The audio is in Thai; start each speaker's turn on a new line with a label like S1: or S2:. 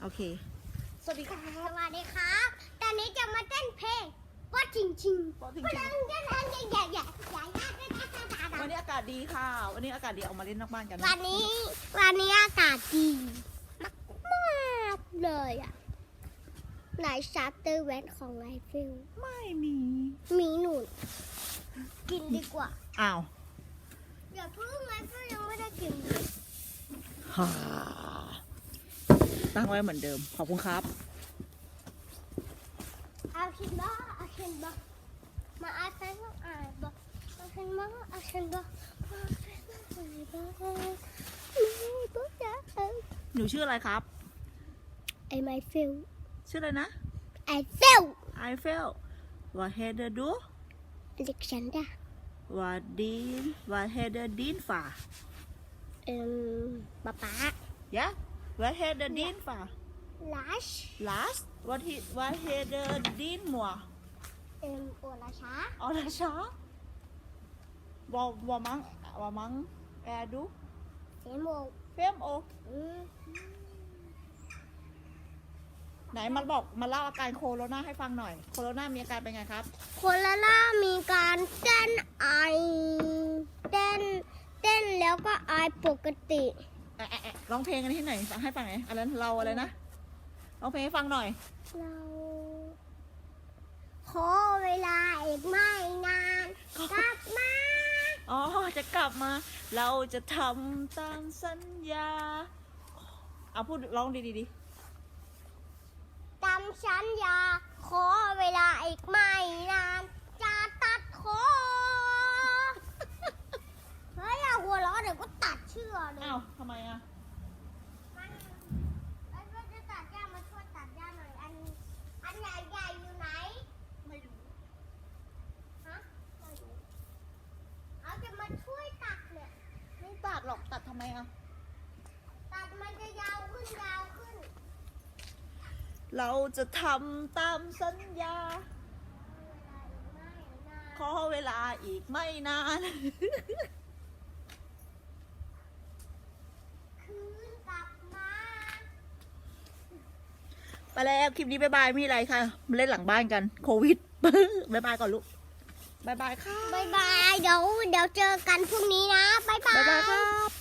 S1: โอเคสวัสดีค่ะ
S2: สวัสดีครับตอนนี้จะมาเต้นเพลงว่าจริงจริง
S1: ว่าจริง
S2: อย่า
S1: วันนี้อากาศดีค่ะ วันนี้อากาศดีออกมาเล่นนอกบ้านกันนะ
S2: วันนี้อากาศดีมากๆเลยอ่ะไหนชาร์เตอร์แวนของไอฟิล
S1: ไม่มี
S2: มีหนุนกินดีกว่า
S1: อ้าว
S2: อย่าเพิ่งไอฟิลยังไม่ได้กิน
S1: ฮ่าตั้งไว้เหมือนเดิมขอบคุณครับ
S2: เอาชินบ้าเอาชินบ้ามาอาศัยต้องอ่านบ้าเอาชินบ้าเอาชินบ้ามาอาศัยต้องอ่านบ้าไม่บ้าจะเอา
S1: หนูชื่ออะไรครับ
S2: ไอไมฟิล
S1: ชื่ออะไรนะ
S2: ไอฟิล
S1: ไอเฟลว่าเฮเดอร์ดู
S2: อเล็กซานดรา
S1: ว่าดีนว่าเฮเดอร์ดินฝ่า
S2: ป๊าป๊าย
S1: ะว่าเฮเดอร์ดินฝ่า
S2: ลัช
S1: last ว่าเฮเดอร์ดินมัว
S2: โอลาชา
S1: ออลาชาว่ามังแอร์ดู
S2: เซโม
S1: เฟมโอไหนมาเล่าอาการโคโรนาให้ฟังหน่อย โคโรนามีอาการเป็นไงครับ
S2: โคลาล่ามีการเต้นไอเต้นแล้วก็ไอปกติ
S1: ร้องเพลงกันที่ไหนฟังให้ฟังหน่อยอะไรนะเราอะไรนะร้องเพลงให้ฟังหน่อย
S2: เราขอเวลาอีกไม่นานกลับมา
S1: อ๋อจะกลับมา เราจะทำตามสัญญาเอาพูดร้องดี
S2: ตามสัญญาขอเวลาอีกไม่นานจะตัดคอเฮ้ยอย่าหัวเราะเดี๋ยวก็ตัดเชือกเลย
S1: อ้าวทำไมอ่ะ
S2: ไอ้เพื่อนจะตัดหญ้ามาช่วยตัดหญ้าหน่อยอันใหญ่ๆอยู่ไหนไม่รู้ฮะไม่รู้เอาจะมาช่วยตัดเนี่ย
S1: ไม่ตัดหรอกตัดทำไมอ่ะ
S2: ตัดมันจะยาวขึ้นยาวขึ้น
S1: เราจะทำตามสัญญา ขอเวลาอีกไม่นาน
S2: คืนกลับมา
S1: ไปแล้วคลิปนี้บ๊ายบายมีอะไรค่ะมาเล่นหลังบ้านกันโควิด บ๊ายบายก่อนลูกบ๊ายบายค่ะ
S2: บายบายเดี๋ยวเจอกันพรุ่งนี้นะบายบา
S1: บ๊ายบาย
S2: ย
S1: ครับ